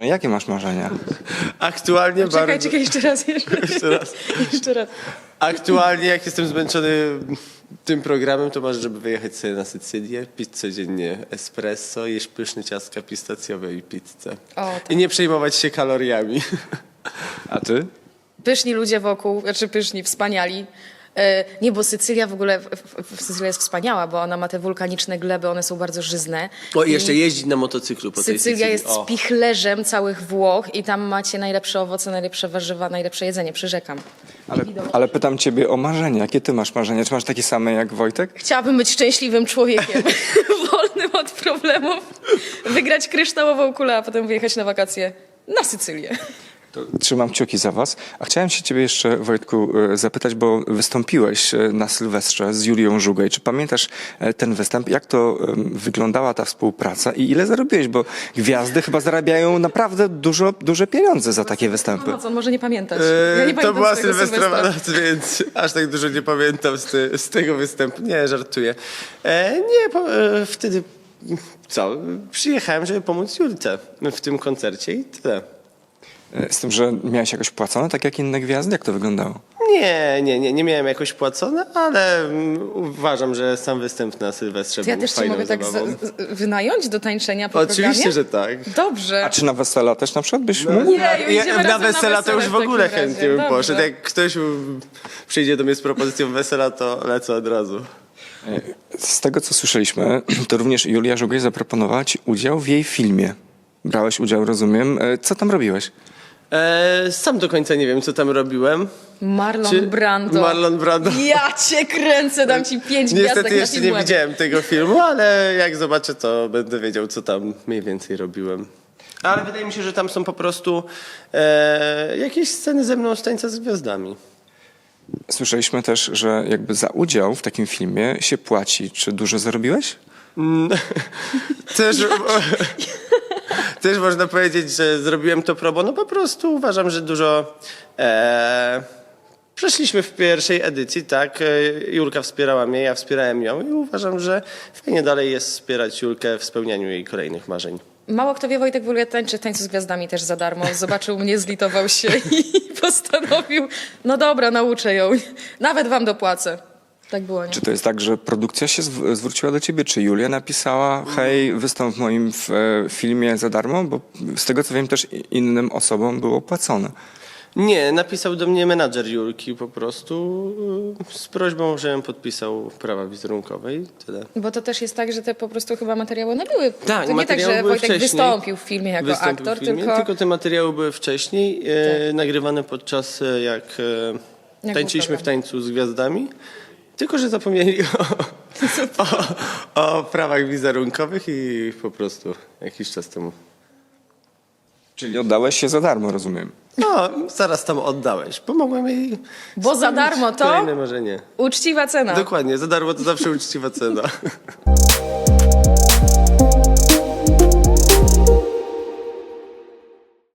Jakie masz marzenia? Aktualnie Czekaj, jeszcze raz. Jeszcze raz. Aktualnie, jak jestem zmęczony tym programem, to marzę, żeby wyjechać sobie na Sycylię, pić codziennie espresso, jeść pyszne ciastka pistacjowe i pizzę. Tak. I nie przejmować się kaloriami. A ty? Pyszni ludzie wokół, znaczy pyszni, wspaniali. Nie, bo Sycylia w ogóle, Sycylia jest wspaniała, bo ona ma te wulkaniczne gleby, one są bardzo żyzne. O, i jeszcze jeździć na motocyklu po tej Sycylia Sycylii. jest O. spichlerzem całych Włoch i tam macie najlepsze owoce, najlepsze warzywa, najlepsze jedzenie, przyrzekam. Ale pytam ciebie o marzenia. Jakie ty masz marzenia? Czy masz takie same jak Wojtek? Chciałabym być szczęśliwym człowiekiem, wolnym od problemów, wygrać kryształową kulę, a potem wyjechać na wakacje na Sycylię. To trzymam kciuki za was. A chciałem się ciebie jeszcze, Wojtku, zapytać, bo wystąpiłeś na Sylwestrze z Julią Żugaj. Czy pamiętasz ten występ? Jak to wyglądała ta współpraca i ile zarobiłeś? Bo gwiazdy chyba zarabiają naprawdę duże pieniądze za takie występy. On może nie pamiętać. Ja nie To pamiętam była swojego sylwestrowa Sylwestra. noc, więc aż tak dużo nie pamiętam z tego występu. Nie, żartuję. Wtedy co? Przyjechałem, żeby pomóc Julce w tym koncercie i tyle. Z tym, że miałeś jakoś płacone, tak jak inne gwiazdy? Jak to wyglądało? Nie miałem jakoś płacone, ale uważam, że sam występ na Sylwestrze To ja był też cię fajną mogę tak zabawą. wynająć do tańczenia po Oczywiście, programie? że tak. Dobrze. A czy na wesela też na przykład byś mógł? Nie, idziemy Na razem wesela to już w takim ogóle razie. chętnie bym Dobrze. poszedł. Jak ktoś przyjdzie do mnie z propozycją wesela, to lecę od razu. Z tego, co słyszeliśmy, to również Julia Żugaj zaproponowała ci udział w jej filmie. Brałeś udział, rozumiem. Co tam robiłeś? Sam do końca nie wiem, co tam robiłem. Marlon Brando. Marlon Brando. Ja cię kręcę, dam ci 5 gwiazdek Niestety na jeszcze nie Filmwebie. widziałem tego filmu, ale jak zobaczę, to będę wiedział, co tam mniej więcej robiłem. Ale wydaje mi się, że tam są po prostu jakieś sceny ze mną z Tańca z Gwiazdami. Słyszeliśmy też, że jakby za udział w takim filmie się płaci. Czy dużo zarobiłeś? Też można powiedzieć, że zrobiłem to pro bono. Po prostu uważam, że dużo przeszliśmy w pierwszej edycji, tak? Julka wspierała mnie, ja wspierałem ją i uważam, że fajnie dalej jest wspierać Julkę w spełnianiu jej kolejnych marzeń. Mało kto wie, Wojtek w ogóle tańczy w Tańcu z Gwiazdami też za darmo. Zobaczył mnie, zlitował się i postanowił, no dobra, nauczę ją. Nawet wam dopłacę. Tak było, nie? Czy to jest tak, że produkcja się zwróciła do ciebie? Czy Julia napisała, hej, wystąp w moim filmie za darmo? Bo z tego, co wiem, też innym osobom było płacone. Nie, napisał do mnie menadżer Julki po prostu z prośbą, żebym podpisał prawa wizerunkowe i tyle. Bo to też jest tak, że te po prostu chyba materiały one były. Tak, to nie tak, materiały że były Wojtek wcześniej. wystąpił w filmie jako Wystąpił aktor, w filmie, tylko te materiały były wcześniej, nagrywane podczas jak Jak tańczyliśmy był w Tańcu z Gwiazdami. Tylko że zapomnieli o prawach wizerunkowych i po prostu jakiś czas temu. Czyli oddałeś się za darmo, rozumiem. No, zaraz tam oddałeś. Pomogłem jej. Bo za spełnić darmo to? kolejne marzenie. Uczciwa cena. Dokładnie, za darmo to zawsze uczciwa cena.